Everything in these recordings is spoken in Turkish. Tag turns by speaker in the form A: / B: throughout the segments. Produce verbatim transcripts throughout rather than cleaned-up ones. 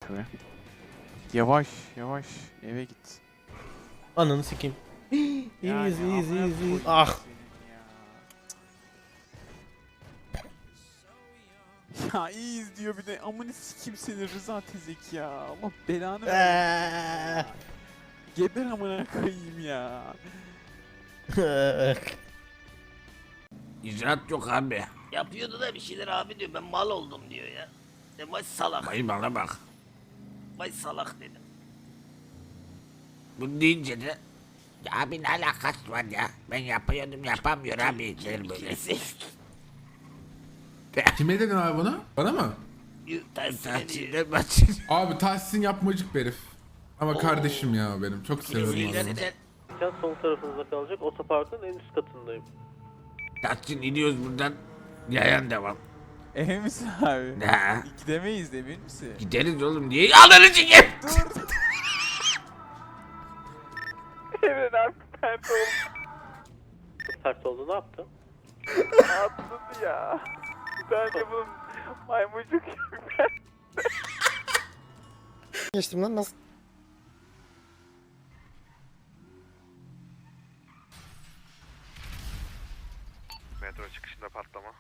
A: şuraya. Yavaş yavaş eve git.
B: Ananı sikeyim. İyiyiz
A: Yani
B: iyiyiz
A: amına
B: iyiyiz iyiyiz.
A: koyayım
B: Ah.
A: senin Ya. Ya iyiyiz diyor bir de amını sikim seni Rıza Tezek ya. Allah belanı versin.
B: Eee.
A: Geber amına koyayım ya.
C: İcraat yok abi.
D: Yapıyordu da bir şeyler abi diyor. Ben mal oldum diyor ya. De vay salak.
C: Vay bana bak.
D: Vay salak dedim.
C: Bunu deyince de ya abi ne alakası var ya? Ben yapıyordum yapamıyor abi der böyle.
E: Kime dedin abi bunu? Bana mı?
D: Tersine diyor.
C: Tahsilden bahsediyor.
E: Abi Tahsin yapmacık bir herif. Ama kardeşim ya benim. Çok seviyorum adamı.
D: Kesinlikle.
B: Can sol tarafınızda kalacak. Otoparkın en üst katındayım.
C: Tahsin iniyoruz buradan. Yayan devam.
A: Emin misin abi?
C: Ne?
A: Gidemeyiz emin misin?
C: Gideriz oğlum niye? Ananı sikeyim.
A: Dur. Evet abi pert oldu.
B: Sert oldu ne yaptı?
A: Atladı ya. Ben de bunun maymuncuk gibi ben.
F: Geçtim lan nasıl?
G: Metro çıkışında patlama.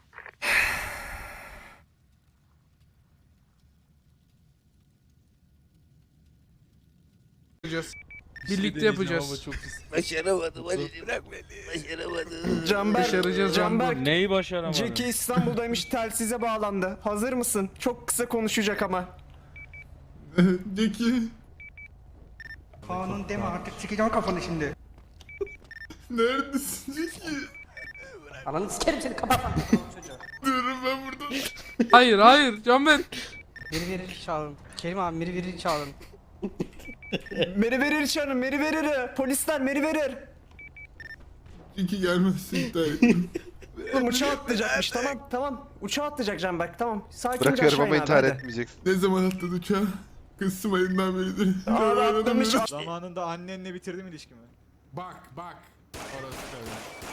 H: Birlikte yapacağız.
D: Başaramadım hadi bırak beni. Başaramadım.
F: Canberk,
H: Başaracağız
F: Canberk,
H: Neyi başaramadın?
F: Jackie İstanbul'daymış, telsize bağlandı. Hazır mısın? Çok kısa konuşacak ama.
E: Jackie.
I: Kanun deme artık sikeceğim kafanı şimdi.
E: Neredesin Jackie?
I: Ananı sikerim seni kapat.
E: Diyorum ben burada.
H: Hayır hayır Canber.
I: Biri verir çağırın. Kerim abi biri verir çağırın.
F: Meri verir çağırın, Meri verir. Polisler Meri verir.
E: Jackie gelmezse iptal ettim.
F: Oğlum uçağa atlayacakmış, tamam tamam. Uçağa atlayacak Canberk, tamam. Sakince
G: Bırakıyorum
F: aşağı
G: ama
F: in abi,
G: intihar
F: hadi.
G: etmeyeceksin.
E: Ne zaman atladı uçağa? Kızım ayından beridir.
F: Abi atlamış.
J: Zamanında annenle bitirdim ilişkimi.
E: Bak bak. Orası tabii.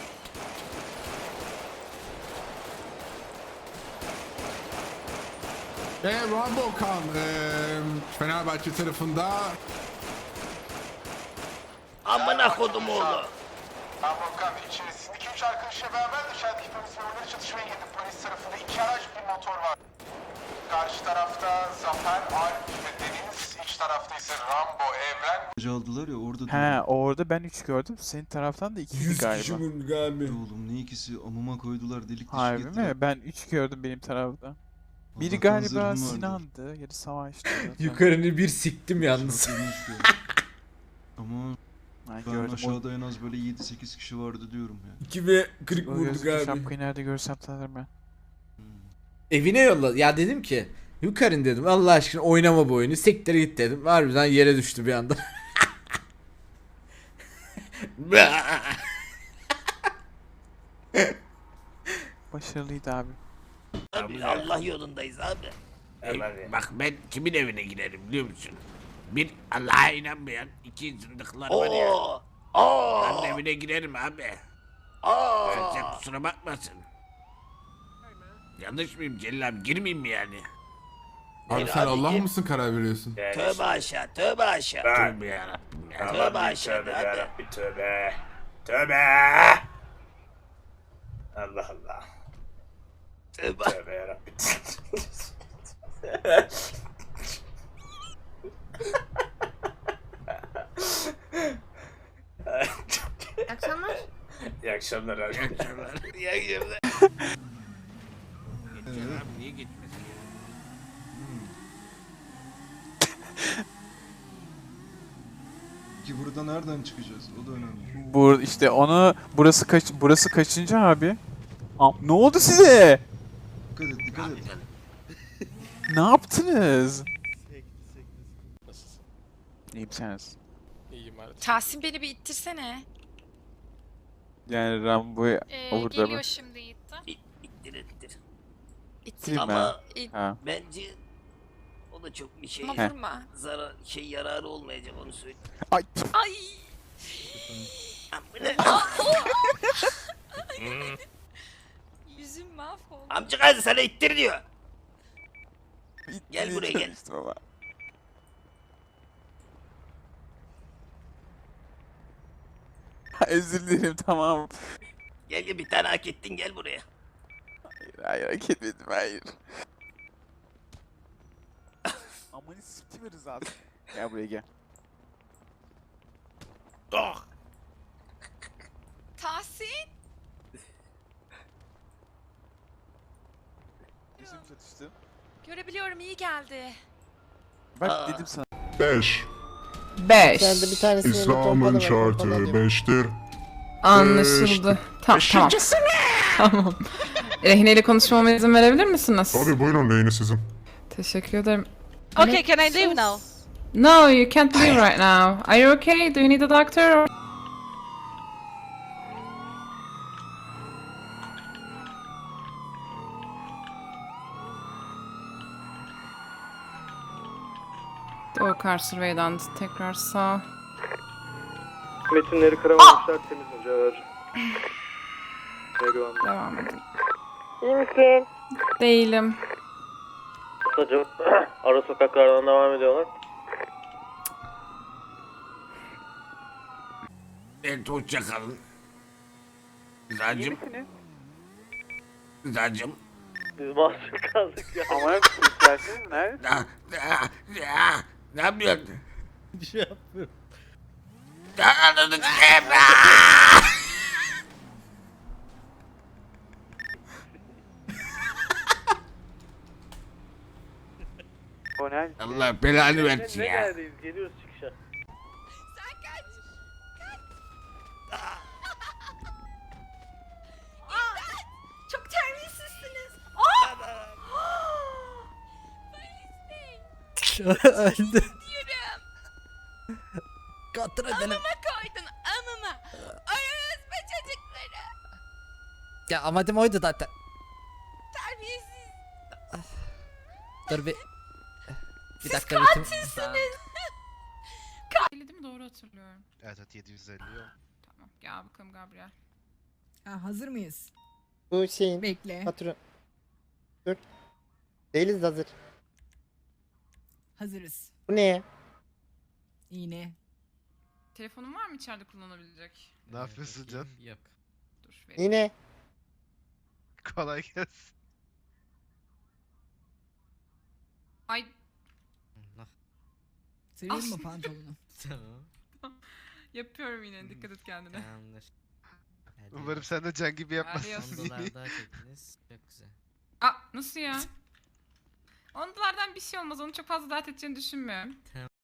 E: Ve Rambo Kan eee, Fenerbahçe tarafında
D: Amına kodum oğlu.
K: Rambo Kan içerisinde iki üç arkadaşla beraber dışarıdaki polis memurları çatışmaya girdi. Polis tarafında iki araç bir motor var. Karşı tarafta Zafer, Alp ve Deniz. İç tarafta ise Rambo, Evren.
L: Aldılar ya orada.
A: He orada ben üç gördüm. Senin taraftan da iki galiba.
E: vurdu galiba.
L: Oğlum ne ikisi amıma koydular delik deşik
A: Harbi
L: ettiler.
A: mi? Ben üç gördüm benim tarafta. Biri
L: Allah'tan
A: galiba
L: zırhım vardı.
A: Sinan'dı, yeri Savaş'tı. zaten.
B: Yukarını bir siktim yalnız.
L: Şarkıymış ya. Ama
A: Ben
L: ben
A: gördüm. O,
L: aşağıda en az böyle yedi sekiz kişi vardı diyorum ya.
B: iki ve kırk
A: o
B: vurduk
A: gözlüklü
B: abi.
A: şapkayı nerede görsem tanırım ben.
B: Evine yolla. Ya dedim ki yukarın dedim Allah aşkına oynama bu oyunu. Siktir git dedim. Harbiden yere düştü bir anda.
A: Başarılıydı abi.
D: Abi Allah yolundayız abi.
C: Ey, bak ben kimin evine girerim biliyor musun? Bir Allah'a inanmayan iki zındıklar var ya.
D: Oo. Oo.
C: Onun evine girerim abi.
D: Oo.
C: Sen kusura bakmasın. Yanlış mıyım Celil abi girmeyeyim mi yani?
E: Abi sen Allah mısın karar veriyorsun?
D: Tövbe aşağı, tövbe aşağı.
C: Tövbe yarabbim ya.
D: Tövbe aşağı abi.
C: Tövbe. Tövbe. Allah Allah.
D: Tövbe.
C: Tövbe yarabbim.
M: İyi akşamlar.
C: İyi akşamlar abi. İyi akşamlar.
D: İyi akşamlar.
C: Geçer abi niye gitmesin ya?
L: Ki burada nereden çıkacağız? O da önemli.
A: Bu işte onu burası kaç burası kaçıncı abi? Am- ne oldu size?
L: Dikkat et dikkat et.
A: Ne yaptınız? İyiyim seniz.
M: Tahsin beni bir ittirsene.
A: Yani Rambo'yu
M: Ee,
A: orada
M: geliyor
A: mı?
M: şimdi itti.
D: İttir ittir.
M: İttir.
A: Ama-
D: Ama
M: İt.
A: Ha.
D: bence o da çok bir şey
M: Ama
A: He.
M: vurma.
D: zarar şey yararı olmayacak onu söyle.
A: Ay.
M: Ay.
D: Amına.
M: Yüzüm mahvoldu.
D: Amca kızı sana ittir diyor. Gel buraya gel.
A: İşte baba. Özür dilerim tamam.
D: Gel gel bir tane hak ettin gel buraya.
A: Hayır hayır hak etmedim hayır. Amanı siktim zaten. Gel buraya gel.
M: Tahsin.
A: Gözüm satıştı.
M: Görebiliyorum iyi geldi.
A: Bak dedim sana.
N: beş.
I: beş.
N: İslam'ın şartı beştir.
I: Anlaşıldı. Tamam tamam. Tamam. Rehineyle konuşmama izin verebilir misiniz?
N: Tabii buyurun lehine sizin.
I: Teşekkür ederim.
M: Okay, can I leave now?
I: No, you can't leave right now. Are you okay? Do you need a doctor? Or... Doğu Survey'den tekrar sağ.
A: Metinleri kıramamışlar temiz hoca.
I: Devam edin.
A: İyi misin?
I: Değilim.
A: Hocam ara sokaklardan devam ediyorlar.
C: Evet hoşça kalın. Rızacım. Rızacım.
A: Biz mahsur kaldık ya. Ama hep isterseniz ne?
C: Da, da, da, ne yapıyorsun?
J: Bir şey yapmıyorum.
C: Anladık.
A: O ne?
C: Allah belanı versin ya.
A: neredeyiz? Geliyoruz çıkışa.
M: Sen kaç. Kaç. Çok terbiyesizsiniz. Aa! Polis bey.
B: Öldü.
M: Diyorum.
B: Kontrol edelim.
M: Amıma koydun amıma. Ararız be çocukları.
B: Ya amadım oydu zaten.
M: Terbiyesiz.
B: Dur bir. Bir
M: Siz
B: dakika bitim.
M: katilsiniz.
I: Değil mi? Doğru hatırlıyorum.
G: Evet evet yedi yüz elli yok.
I: Tamam. Gel bakalım Gabriel.
F: Ha, hazır mıyız?
I: Bu şeyin
F: Bekle.
I: patron. Dur. Değiliz hazır.
F: Hazırız.
I: Bu ne?
F: İğne.
I: Telefonun var mı içeride kullanabilecek?
G: Ne yapıyorsun Can?
B: Yok.
I: Dur vereyim.
F: İğne.
G: Kolay gelsin.
I: Ay
F: Seveyim mi pantolonu?
B: Tamam.
I: yapıyorum yine. Dikkat et kendine.
B: Tamamdır.
G: Umarım sen de Can gibi yapmazsın.
I: Adios.
B: on dolar daha çektiniz. Çok güzel.
I: Aa nasıl ya? on dolardan bir şey olmaz. Onu çok fazla dert edeceğini düşünmüyorum.